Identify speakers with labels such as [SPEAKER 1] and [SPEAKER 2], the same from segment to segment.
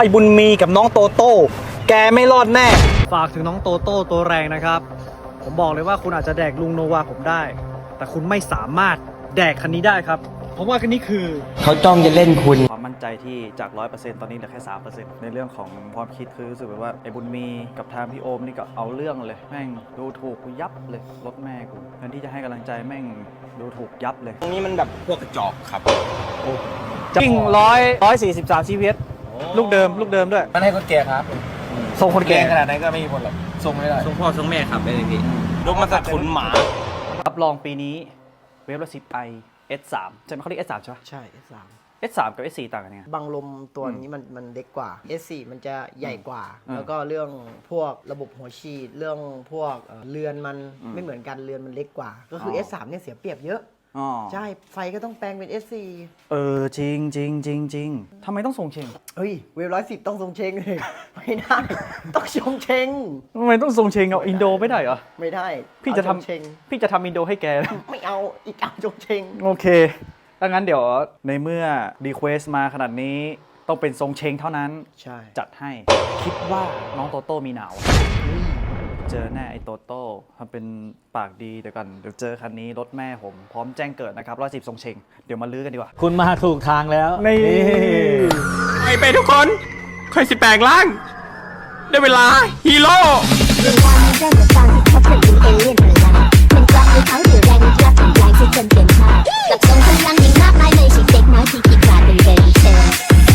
[SPEAKER 1] ไอ้บุญมีกับน้องโตโต้แกไม่รอดแน่ฝากถึงน้องโตโต้ตัวแรงนะครับผมบอกเลยว่าคุณอาจจะแดกลุงโนวาผมได้แต่คุณไม่สามารถแดกคันนี้ได้ครับผมว่าคันนี้คือ
[SPEAKER 2] เขาจ้องจะเล่นคุณ
[SPEAKER 1] ความมั่นใจที่จาก 100% ตอนนี้เหลือแค่ 3% ในเรื่องของความคิดคือรู้สึกแบบว่าไอ้บุญมีกับทางพี่โอมนี่ก็เอาเรื่องเลยแม่งดูถูกกูยับเลยรถแม่กูแทนที่จะให้กำลังใจแม่งดูถูกยับเลย
[SPEAKER 3] ตรงนี้มันแบบพวกกระจอกครับ
[SPEAKER 1] จริง143 CPS ลูกเดิมด้วย
[SPEAKER 3] มันให้คนแก่ครับ
[SPEAKER 1] ทรงคนแก่
[SPEAKER 3] ขนาดนั้นก็ไม่มีผลหรอกทรงไม่ได้
[SPEAKER 2] ทรงพ่อทรงแม่ขับได้เลยพี่
[SPEAKER 3] รถมันสะทุนหมา
[SPEAKER 1] รับรองปีนี้เวฟละ10i S3 ใช่ไหมเขาเรียก S3 ใช่ไหม
[SPEAKER 4] ใช่ S3
[SPEAKER 1] S3 กับ S4 ต่างกันยังไง
[SPEAKER 4] บังลมตัวนี้มันเล็กกว่า S4 มันจะใหญ่กว่าแล้วก็เรื่องพวกระบบหัวฉีดเรื่องพวกเรือนมันไม่เหมือนกันเรือนมันเล็กกว่าก็คือ S3 เนี่ยเสียเปรียบเยอะใช่ไฟก็ต้องแปลงเป็น S4
[SPEAKER 1] จริงทำไมต้องทรงเชง
[SPEAKER 4] เฮ้ยเวฟ110ต้องทรงเชงเลยไม่ได้ต้องชงเชง
[SPEAKER 1] ทำไมต้องทรงเชงเอาอินโดไม่ได้เหรอ
[SPEAKER 4] ไม่ได้
[SPEAKER 1] พี่จะทำอินโดให้แก
[SPEAKER 4] ไม่เอาอีกเอาชงเชง
[SPEAKER 1] โอเคถ้างั้นเดี๋ยวในเมื่อรีเควสมาขนาดนี้ต้องเป็นทรงเชงเท่านั้น
[SPEAKER 4] ใช่
[SPEAKER 1] จัดให้คิดว่าน้องโตโต้มีหนาวเจอแน่ไอ้โตโต้ทำเป็นปากดีเดี๋ยวกันเดี๋ยวเจอคันนี้รถแม่ผมพร้อมแจ้งเกิดนะครับ110ทรงเชงเดี๋ยวมาลื้อกันดีกว่า
[SPEAKER 2] คุณมาถูกทางแล้ว
[SPEAKER 1] นี่
[SPEAKER 3] ไปทุกคนค่อยสิแปลงร่างได้เวลาฮีโร่
[SPEAKER 5] เวลามันเริ่มจากตอนที่เขาเป็นเอเลี่ยนพลังเป็นกลางในเขาถือแรงที่รับเป็นแรงที่จนเปลี่ยนชาติกับทรงพลังอย่างมากมายเลยสิเด็กน้อยที่คิดกลายเป็นเบบี้เซล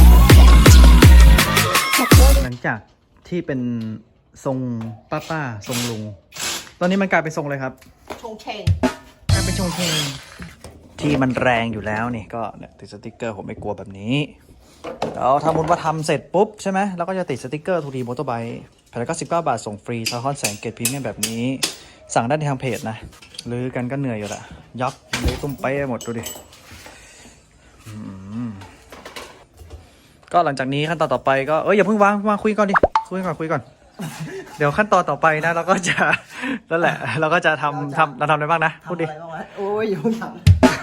[SPEAKER 1] หลังจากที่เป็นทรงป้าทรงลุงตอนนี้มันกลายเป็นทรงเลยครับ
[SPEAKER 4] ชงเชง
[SPEAKER 1] กลายเป็นชงเชงที่มันแรงอยู่แล้วนี่ก็เนี่ยติดสติ๊กเกอร์ผมไม่กลัวแบบนี้แล้วถ้ามุนว่าทำเสร็จปุ๊บใช่ไหมแล้วก็จะติดสติ๊กเกอร์ทูดีมอเตอร์ไบค์199 บาทส่งฟรีซาคอนแสงเกตพรีเมียมแบบนี้สั่งได้ในทางเพจนะลื้อกันก็เหนื่อยอยู่ละยับเลยตุ้มไปหมดดูดิก็หลังจากนี้ขั้นตอนต่อไปก็อย่าเพิ่งวางมาคุยก่อนดิคุยก่อนเดี๋ยวขั้นตอนต่อไปนะเราก็จะนั่นแหละเราก็จะทำอะไรบ้างนะพูดดิ
[SPEAKER 4] โอ้ยอยู่ทำ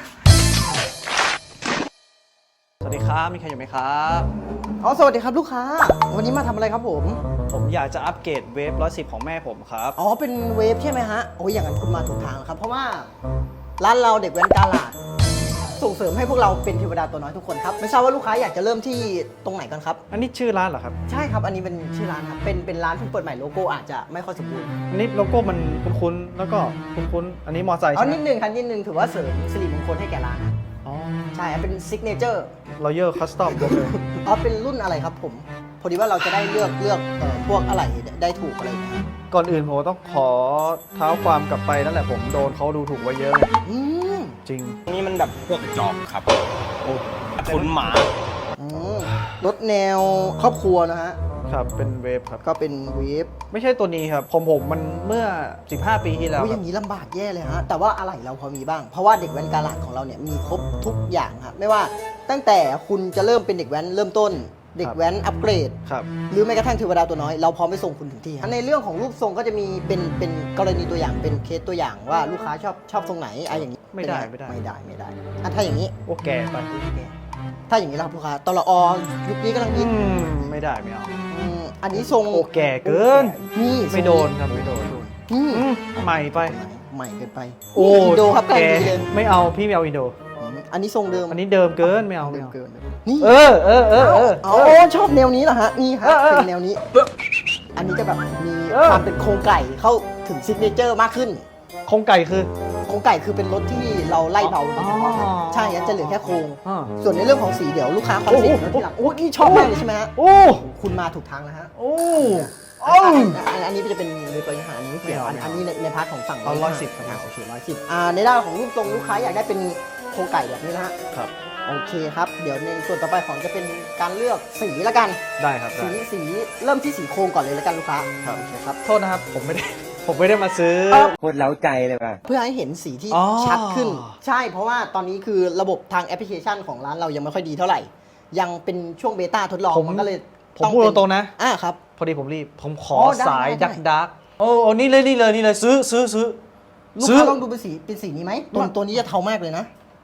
[SPEAKER 1] สวัสดีครับมีใครอยู่ไหมครับ
[SPEAKER 4] สวัสดีครับลูกค้าวันนี้มาทำอะไรครับผม
[SPEAKER 1] อยากจะอัปเกรดเวฟ110ของแม่ผมครับ
[SPEAKER 4] เป็นเวฟใช่ไหมฮะโอ้ยอย่างนั้นคุณมาถูกทางแล้วครับเพราะว่าร้านเราเด็กแว้นกาลาดส่งเสริมให้พวกเราเป็นเทวดาตัวน้อยทุกคนครับไม่ทราบว่าลูกค้าอยากจะเริ่มที่ตรงไหนกันครับ
[SPEAKER 1] อันนี้ชื่อร้านเหรอครับ
[SPEAKER 4] ใช่ครับอันนี้เป็นชื่อร้านครับเป็นร้านเพิ่งเปิดใหม่โลโก้อาจจะไม่ค่อยสมบูรณ์
[SPEAKER 1] อันนี้โลโก้มันคุ้นๆแล้วก็คุ้นๆอันนี้มอไซค์ใช่ไหม
[SPEAKER 4] นิดนึงครับนิดนึงถือว่าเสริมสิริมงคลให้แก่ร้านใช่เป็นซิกเนเจอร์
[SPEAKER 1] รอยัลคัสตอมเลย
[SPEAKER 4] เป็นรุ่นอะไรครับผมพอดีว่าเราจะได้เลือกพวกอะไรได้ถูกอะไรอย่างเงี้ย
[SPEAKER 1] ก่อนอื่นผมต้องขอเท้าความกลับไปนั่นแหละผมโดนเขาดูถูกไว้เยอะจริง
[SPEAKER 3] ตรงนี้มันแบบพวกกระจอกครับสะทุนหมาร
[SPEAKER 4] ถแนวครอบครัวนะฮะ
[SPEAKER 1] ครับเป็นเวฟครับ
[SPEAKER 4] ก็เป็นเวฟ
[SPEAKER 1] ไม่ใช่ตัวนี้ครับผมมันเมื่อ15 ปีที่แล้ว
[SPEAKER 4] อย่างนี้ลำบากแย่เลยฮะแต่ว่าอะไรเราพอมีบ้างเพราะว่าเด็กแว้นกาลาดของเราเนี่ยมีครบทุกอย่างครับไม่ว่าตั้งแต่คุณจะเริ่มเป็นเด็กแว้นเริ่มต้นเด็กแว้นอัปเกรดหรือแม้กระทั่งเทวดาตัวน้อยเราพร้อมไปส่งคุณถึงที่ในเรื่องของรูปทรงก็จะมีเป็นกรณีตัวอย่างเป็นเคสตัวอย่างว่าลูกค้าชอบทรงไหนอย่างนี้
[SPEAKER 1] ไม่ได้
[SPEAKER 4] ถ้าอย่างนี้
[SPEAKER 1] โอเคไป
[SPEAKER 4] ถ้าอย่างนี้เราลูกค้าตลอยุคนี้กำลังฮิต
[SPEAKER 1] ไม่ได้ไม่เอา
[SPEAKER 4] อันนี้ทรง
[SPEAKER 1] โอแก่เกิน
[SPEAKER 4] นี่
[SPEAKER 1] ไม่โดนครับไม่โดนใหม่ไป
[SPEAKER 4] ใหม่เกินไป
[SPEAKER 1] อินโดครับแกไม่เอาพี่ไม่เอาอินโด
[SPEAKER 4] อันนี้ทรงเดิม
[SPEAKER 1] อันนี้เดิมเกินไม่เอา
[SPEAKER 4] เกินนี่ชอบแนวนี้เหรอฮะนี่ฮะเป็นแนวนี้อันนี้จะแบบมีความเป็นโครงไก่เข้าถึงซิกเนเจอร์มากขึ้น
[SPEAKER 1] โครงไก่คือ
[SPEAKER 4] เป็นรถที่เราไล่เบาใช่จะเหลือแค่โครงส่วนในเรื่องของสีเดี๋ยวลูกค้าคอนเซ็ปต์ทีหลังนี่ชอบมากเลยใช่ไหมฮะคุณมาถูกทางแล้วฮะอันนี้จะเป็นในตัวอย่างนี้เกี่ยวอันนี้ในพาร์ทของฝั่ง
[SPEAKER 1] 110
[SPEAKER 4] ครับโอเค110ในด้านของรูปทรงลูกค้าอยากได้เป็นโครงไก่แบบนี้นะฮะ
[SPEAKER 1] ครับ
[SPEAKER 4] โอเคครับเดี๋ยวในส่วนต่อไปของจะเป็นการเลือกสีละกัน
[SPEAKER 1] ได้ครับ
[SPEAKER 4] สีเริ่มที่สีโครงก่อนเลยละกันลูกค้า
[SPEAKER 1] ครับโอเคครับโทษนะครับผมไม่ได้มาซื้อ
[SPEAKER 2] โคตรเล้าใจเลยป่ะ
[SPEAKER 4] เพื่อให้เห็นสีที่ชัดขึ้นใช่เพราะว่าตอนนี้คือระบบทางแอปพลิเคชันของร้านเรายังไม่ค่อยดีเท่าไหร่ยังเป็นช่วงเบต้าทดลองมันก็เลย
[SPEAKER 1] ผมพูดตรงๆนะครับ พอดีผมรีบผมขอสายดักโอ้นี่เลยซื้อ
[SPEAKER 4] ลูกค้าลองดูเป็นสีนี้ไหมตัวนี้จะเทามากเลยนะ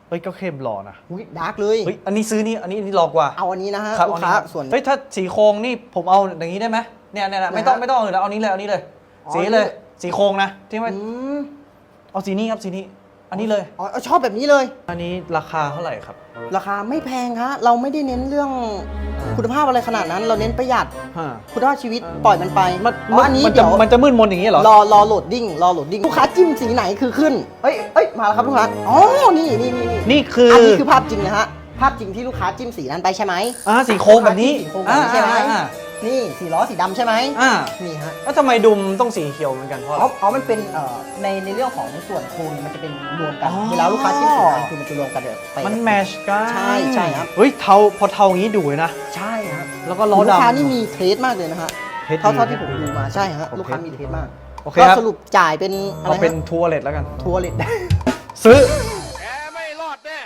[SPEAKER 1] เฮ้ยก็เข้มหล่อนะ
[SPEAKER 4] อุ้ยดาร์กเลย
[SPEAKER 1] เฮ้ยอันนี้ซื้อนี่อันนี้หล่อกว่า
[SPEAKER 4] เอาอันนี้นะฮะ
[SPEAKER 1] ครับ
[SPEAKER 4] ลู
[SPEAKER 1] เอา
[SPEAKER 4] กค้า
[SPEAKER 1] นี้ครับ
[SPEAKER 4] ส่วน
[SPEAKER 1] เฮ้ยถ้าสีโครงนี่ผมเอาอย่างนี้ได้ไหมเนี่ยไม่ต้อง
[SPEAKER 4] นะฮะ
[SPEAKER 1] ไม่ต้องอื่นแล้วเอานี้เลยเอานี้เลย
[SPEAKER 4] อ๋อ
[SPEAKER 1] สีเลยสีโครงนะที่ไม่
[SPEAKER 4] อืม
[SPEAKER 1] เอาสีนี้ครับสีนี้อันนี้เลย
[SPEAKER 4] อ๋อชอบแบบนี้เลย
[SPEAKER 1] อันนี้ราคาเท่าไหร่ครับ
[SPEAKER 4] ราคาไม่แพงครับเราไม่ได้เน้นเรื่องคุณภาพอะไรขนาดนั้น เราเน้นประหยัด
[SPEAKER 1] ฮะ
[SPEAKER 4] คุณภาพชีวิตปล่อยมันไป
[SPEAKER 1] มัน
[SPEAKER 4] อ๋ออันนี้
[SPEAKER 1] มันจะ
[SPEAKER 4] เดี๋ยว
[SPEAKER 1] มันจะมืดมนอย่างนี้เหรอ
[SPEAKER 4] รอโหลดดิ้งลูกค้าจิ้มสีไหนคือขึ้นเอ้ยมาแล้วครับลูกค้าอ๋อนี่
[SPEAKER 1] นี่คือ
[SPEAKER 4] อันนี้คือภาพจริงนะฮะภาพจริงที่ลูกค้าจิ้มสีนั้นไปใช่ไหม
[SPEAKER 1] สีโครงแบบนี้
[SPEAKER 4] สีโครงแบบนี้ใช่ไหม
[SPEAKER 1] อ่า
[SPEAKER 4] นี่สีล้อสีดำใช่ไหม
[SPEAKER 1] อ่า
[SPEAKER 4] นี่ฮะ
[SPEAKER 1] แล้วทำไมดุมต้องสีเขียวเหมือนกันเพราะอะไร
[SPEAKER 4] อ๋อมันเป็นในเรื่องของส่วนโครงมันจะเป็นรวมกัน
[SPEAKER 1] อ๋อ
[SPEAKER 4] เวลาลูกค้าจิ้มสีนั้นคือมันจะรวมกันแบบไป
[SPEAKER 1] มันแมชกัน
[SPEAKER 4] ใช่ครับ
[SPEAKER 1] เฮ้ยพอเทาอย่างนี้ดูเลยนะ
[SPEAKER 4] ใช่ครับ
[SPEAKER 1] แล้วก็ล้อ
[SPEAKER 4] ลูกค้า
[SPEAKER 1] ดำ
[SPEAKER 4] นี่มีเทสมากเลยนะฮะ
[SPEAKER 1] เทสดี
[SPEAKER 4] เท่าที่ผมดูมาใช่ฮะ
[SPEAKER 1] โอเค
[SPEAKER 4] ลูกค้ามีเทสมาก
[SPEAKER 1] โอเค
[SPEAKER 4] ก็
[SPEAKER 1] ครับ
[SPEAKER 4] สรุปจ่ายเป็นอะไร
[SPEAKER 1] เอาเป็น
[SPEAKER 4] ฮะ
[SPEAKER 1] ทัวร์เลทแล้วกัน
[SPEAKER 4] ทัวร์เลท
[SPEAKER 1] ซื้อ
[SPEAKER 3] แกไม่รอดแน่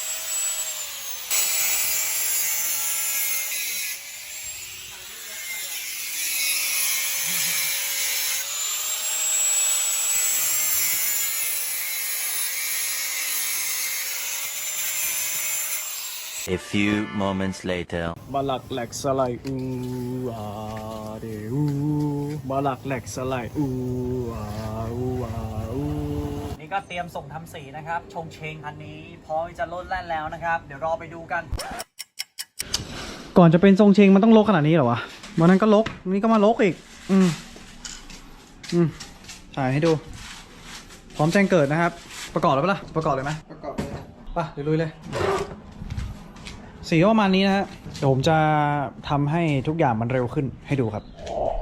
[SPEAKER 6] A few moments later.
[SPEAKER 3] มาหลักแหลกสไลด์อาเดอูมาหลักแหลกสไลด์อาอู
[SPEAKER 1] นี่ก็เตรียมส่งทำสีนะครับชงเชงคันนี้พร้อมจะลดแล่นแล้วนะครับ เดี๋ยวรอไปดูกัน ก่อนจะเป็นทรงเชงมันต้องลกขนาดนี้เหรอวะวันนั้นก็ลกนี่ก็มาลกอีกถ่ายให้ดู พร้อมแจ้งเกิดนะครับ ประกอบแล้วปะล่ะประกอบเลยไหม
[SPEAKER 4] ประกอบเลย
[SPEAKER 1] ป่ะเดี๋ยวลุยเลยสีก็ประมาณนี้นะฮะเดี๋ยวผมจะทำให้ทุกอย่างมันเร็วขึ้นให้ดูครับ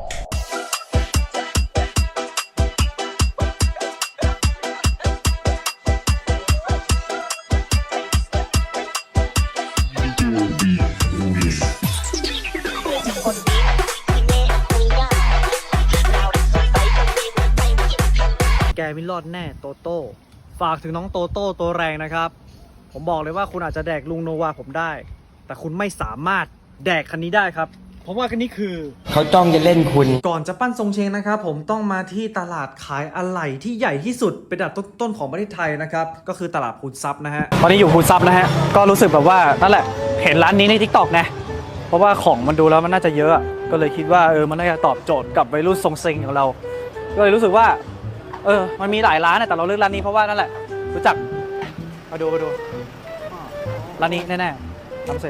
[SPEAKER 1] แกไม่รอดแน่โตโต้ฝากถึงน้องโตโต้ตัวแรงนะครับ ผมบอกเลยว่าคุณอาจจะแดกลุงโนวาผมได้ แต่คุณไม่สามารถแดกคันนี้ได้ครับ เพราะว่าคันนี้คือ
[SPEAKER 2] เขาจ้องจะเล่นคุณ
[SPEAKER 1] ก่อนจะปั้นทรงเชงนะครับผมต้องมาที่ตลาดขายอะไหล่ที่ใหญ่ที่สุดเป็นอันดับต้นๆของประเทศไทยนะครับก็คือตลาดพูนซับนะฮะตอนนี้อยู่พูนซับนะฮะก็รู้สึกแบบว่านั่นแหละเห็นร้านนี้ใน TikTok นะเพราะว่าของมันดูแล้วมันน่าจะเยอะก็เลยคิดว่ามันน่าจะตอบโจทย์กับวัยรุ่นทรงเชงของเราก็เลยรู้สึกว่ามันมีหลายร้านนะแต่เราเลือกร้านนี้เพราะว่านั่นแหละรู้จักมาดูร้านนี้แน่ๆทำเซ็น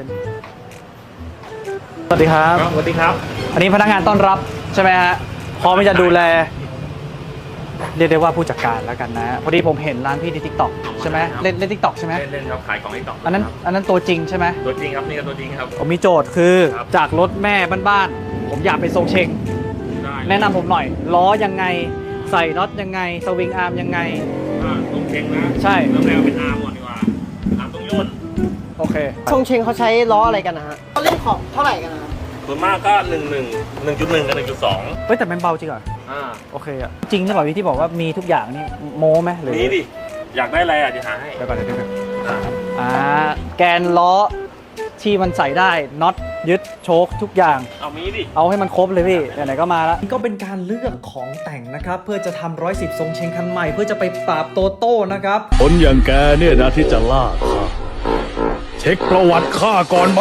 [SPEAKER 1] สวัสดีครับ
[SPEAKER 3] สวัสดีครับ
[SPEAKER 1] อันนี้พนักงานต้อนรับใช่ไหมฮะพร้อมที่จะดูแลเรียกได้ว่าผู้จัดการแล้วกันนะพอดีผมเห็นร้านพี่ใน TikTok ใช่ไหมเล่น TikTok ใช่ไหม
[SPEAKER 3] เล่นครับขายของไอ้ต่อ
[SPEAKER 1] อันนั้นตัวจริงใช่ไหม
[SPEAKER 3] ตัวจริงครับนี่ก็ตัวจริงครับ
[SPEAKER 1] ผมมีโจทย์คือ
[SPEAKER 3] ครับ
[SPEAKER 1] จากรถแม่บ้านๆผมอยากเป็นทรงเชง
[SPEAKER 3] ได้
[SPEAKER 1] แนะนำผมหน่อยล้อยังไงใส่น็อตยังไงสวิงอาร์มยังไง
[SPEAKER 3] ต้องเช็งนะ
[SPEAKER 1] ใช่
[SPEAKER 3] เริ่มแรกเป็นอาร์มก่อนดีกว่าอาร์มต้องย่น
[SPEAKER 1] โอเค
[SPEAKER 4] ชงเชงเขาใช้ล้ออะไรกันนะฮะเขาเล่นขอบเท่าไหร่กันนะ
[SPEAKER 3] ส่วนมากก็1.1 กับ 1.2
[SPEAKER 1] เฮ้ยแต่มันเบาจริงเหรอโอเคอะจริงหรือเปล่าพี่ที่บอกว่ามีทุกอย่างนี่โม้ไหมหรือ
[SPEAKER 3] นี่ดิ อยากได้อะไรอ่ะจะหาให้
[SPEAKER 1] เดี๋ยวก่อนเดี๋ยว
[SPEAKER 3] อ่า
[SPEAKER 1] แกนล้อที่มันใส่ได้น็อตยึดโชคทุกอย่าง
[SPEAKER 3] เอามีดิ
[SPEAKER 1] เอาให้มันครบเลยพี่ไหนๆก็มาแล้วก็เป็นการเลือกของแต่งนะครับเพื่อจะทำ110ทรงเชงคันใหม่เพื่อจะไปปราบโตโต้นะครับ
[SPEAKER 7] คนอย่างแกเนี่ยนะที่จะล่าข้าเช็คประวัติข้าก่อนไหม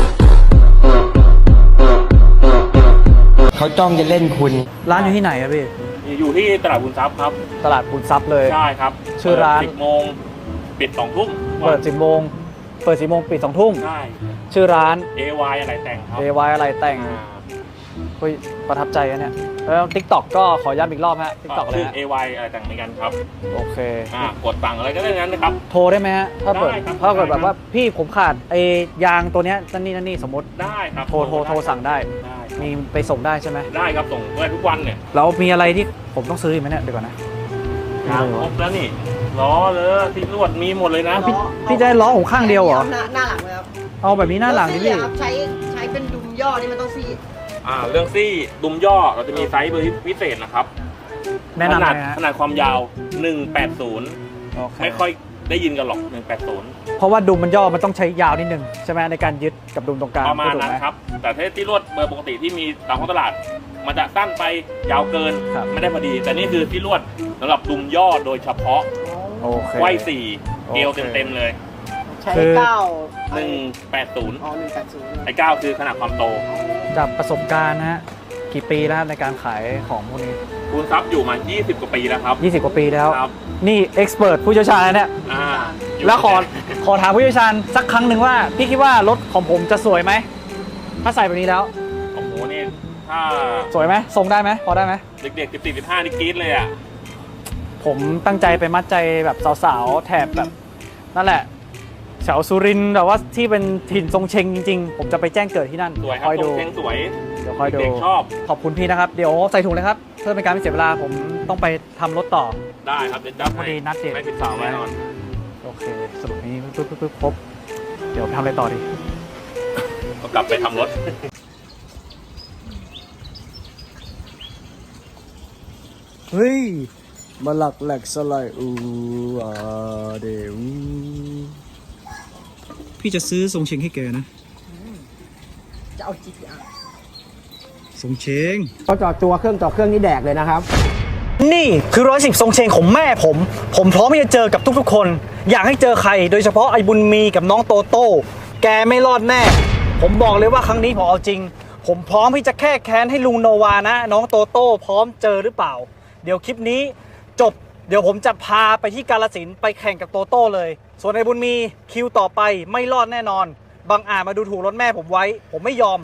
[SPEAKER 2] เขาจ้องจะเล่นคุณ
[SPEAKER 1] ร้านอยู่ที่ไหนครับพี่
[SPEAKER 3] อยู่ที่ตลาดบุญทรัพย์ครับ
[SPEAKER 1] ตลาดปูนซับเลย
[SPEAKER 3] ใช่ครับ
[SPEAKER 1] ชื่อร้าน
[SPEAKER 3] 10 โมงปิด 2 ทุ่ม
[SPEAKER 1] เปิด10 โมงปิด 2 ทุ่ม
[SPEAKER 3] ใช่
[SPEAKER 1] ชื่อร้าน
[SPEAKER 3] AY อะไรแต่งครับ
[SPEAKER 1] AY อะไรแต่งเฮ้ยประทับใจอะเนี่ยแล้ว TikTok ก็ขอย้ำอีกรอบฮะ TikTok อะไร
[SPEAKER 3] ชื่อ
[SPEAKER 1] ฮะ
[SPEAKER 3] AY อะไรแต่งเหมือนกันครับ
[SPEAKER 1] โอเค
[SPEAKER 3] กดสั่งอะไรก็ได้นั้นนะครับ
[SPEAKER 1] โทรได้ไหมฮะถ้าเปิด
[SPEAKER 3] ได้ครับ
[SPEAKER 1] ถ้าเกิด
[SPEAKER 3] ได้ครับ
[SPEAKER 1] แบบว่าพี่ผมขาดไอ้ยางตัวเนี้ยนั่นนี่สมมติ
[SPEAKER 3] ได้ครับ
[SPEAKER 1] โทรสั่งได้
[SPEAKER 3] ได้
[SPEAKER 1] มีไปส่งได้ใช่ไหม
[SPEAKER 3] ได้ครับส่งได้ทุกวันเนี่ย
[SPEAKER 1] แล้วมีอะไรที่ผมต้องซื้ออีกไหมเนี่ยเดี๋ยวก่อนนะ
[SPEAKER 3] ครบแล้วนี่ล้อเลยที่ลวดมีหมดเลยนะ
[SPEAKER 1] พี่จะให้ล้อผมข้างเดียวเหรอ
[SPEAKER 4] หน้าหลังเลยครับ
[SPEAKER 1] เอาแบบนี้หน้าหลังดิพี่
[SPEAKER 4] ครับใช้เป็นดุมย่อนี่มันต้องซี่
[SPEAKER 3] เรื่องซี่ดุมย่อเราจะมีไซส์เบอร์พิเศษนะครับ
[SPEAKER 1] แนะนำ
[SPEAKER 3] ขนาด
[SPEAKER 1] นะฮะ
[SPEAKER 3] ขนาดความยาว 180
[SPEAKER 1] โอเค
[SPEAKER 3] ไม่ค่อยได้ยินกันหรอก 180
[SPEAKER 1] เพราะว่าดุมมันย่อมันต้องใช้ยาวนิดนึงใช่ไหมในการยึดกับดุมตรงกลาง
[SPEAKER 3] ประมาณ
[SPEAKER 1] ถูก
[SPEAKER 3] นั้น
[SPEAKER 1] ไห
[SPEAKER 3] ครับ แต่ถ้าที่ลวดเบอร์ปกติที่มีตามท้องตลาด มันจะสั้นไปยาวเกิน
[SPEAKER 1] ครับ
[SPEAKER 3] ไม่ได้พอดี แต่นี่คือที่ลวดสำหรับดุมย่อโดยเฉพาะ
[SPEAKER 1] โอเค
[SPEAKER 3] ไว้4เกลียว
[SPEAKER 1] โอเค
[SPEAKER 3] เต็มๆเลย
[SPEAKER 4] ช้
[SPEAKER 1] คือ
[SPEAKER 4] 9
[SPEAKER 8] 180
[SPEAKER 4] อ๋อ180
[SPEAKER 8] ไอ้9คือขนาดความโต
[SPEAKER 1] จากประสบการณ์นะฮะกี่ปีแล้วในการขายของพวกนี้
[SPEAKER 8] คูณทรัพย์อยู่มา 20 กว่าปีแล้วครับ
[SPEAKER 1] 20 กว่าปีแล้ว
[SPEAKER 8] ครับ
[SPEAKER 1] นี่เอ็กซ์เพรสผู้เชี่ยวชาญนะเนี่ย
[SPEAKER 8] อยู่
[SPEAKER 1] แล้วขอถามผู้เชี่ยวชาญสักครั้งหนึ่งว่า พี่คิดว่ารถของผมจะสวยไหม ถ้าใส่แบบนี้แล้ว
[SPEAKER 8] โอ้โหนี่ถ้า
[SPEAKER 1] สวยไหมทรงได้ไหมพอได้ไหม
[SPEAKER 8] เด็กๆ14-15นี่กรี๊ดเลยอ่ะ
[SPEAKER 1] ผมตั้งใจไปมัดใจแบบสาวๆแถบแบบนั่นแหละแถวสุรินทร์แบบว่าที่เป็นถิ่นทรงเชงจริงๆ ผมจะไปแจ้งเกิดที่นั่น
[SPEAKER 8] สวยครั
[SPEAKER 1] ค
[SPEAKER 8] บ
[SPEAKER 1] อย
[SPEAKER 8] ตร
[SPEAKER 1] ดู
[SPEAKER 8] งเชงสวย
[SPEAKER 1] เดี๋ยวคอยดู
[SPEAKER 8] เด็กๆชอบ
[SPEAKER 1] ขอบคุณพี่นะครับ เดี๋ยวใส่ถุงเลยครับ เพื่อเป็นการไม่เสียเวลาผมต้องไปทำรถต่อ
[SPEAKER 8] ได้ครับเดี๋ยวจับ
[SPEAKER 1] พอดีนัดเดท
[SPEAKER 8] ไม่ผิดสาวแน่นอน
[SPEAKER 1] โอเคสรุปนี้ปึ๊บครบเดี๋ยวไปทำอะไรต่อดี
[SPEAKER 8] ก็กลับไปทำรถ
[SPEAKER 3] เฮ้ย มาหลักแหลกสลายอูอาเดอู
[SPEAKER 1] พี่จะซื้อทรงเชงให้แกนะ
[SPEAKER 4] จะเอา GTR
[SPEAKER 1] ทรงเชง
[SPEAKER 2] เขาจอดตัวเครื่องนี่แดกเลยนะครับ
[SPEAKER 1] นี่คือ110ทรงเชงของแม่ผมพร้อมที่จะเจอกับทุกๆคน อยากให้เจอใครโดยเฉพาะไอ้บุญมีกับน้องโตโต้แกไม่รอดแน่ ผมบอกเลยว่าครั้งนี้ผมเอาจริง ผมพร้อมที่จะแค่แค้นให้ลุงโนวานะ น้องโตโต้พร้อมเจอหรือเปล่า เดี๋ยวคลิปนี้จบเดี๋ยวผมจะพาไปที่กาฬสินธุ์ไปแข่งกับโตโต้เลย ส่วนไอ้บุญมีคิวต่อไปไม่รอดแน่นอนบางอาจมาดูถูกรถแม่ผมไว้ ผมไม่ยอม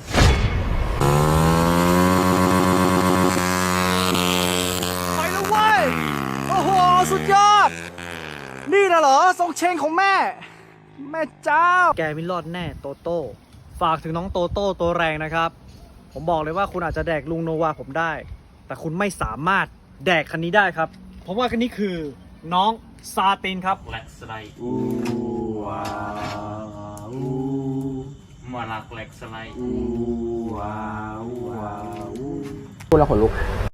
[SPEAKER 1] ไปแล้วเว้ย โอ้โห สุดยอด นี่นะเหรอ ทรงเชงของแม่ แม่เจ้า แกไม่รอดแน่โตโต้ ฝากถึงน้องโตโต้ตัวแรงนะครับ ผมบอกเลยว่าคุณอาจจะแดกลุงโนวาผมได้ แต่คุณไม่สามารถแดกคันนี้ได้ครับ ผมว่าคันนี้คือน้องซาตินครับ
[SPEAKER 8] แหลกสไลด์มาหลักแหลกสไลด์
[SPEAKER 2] พูดแล้วขนลุก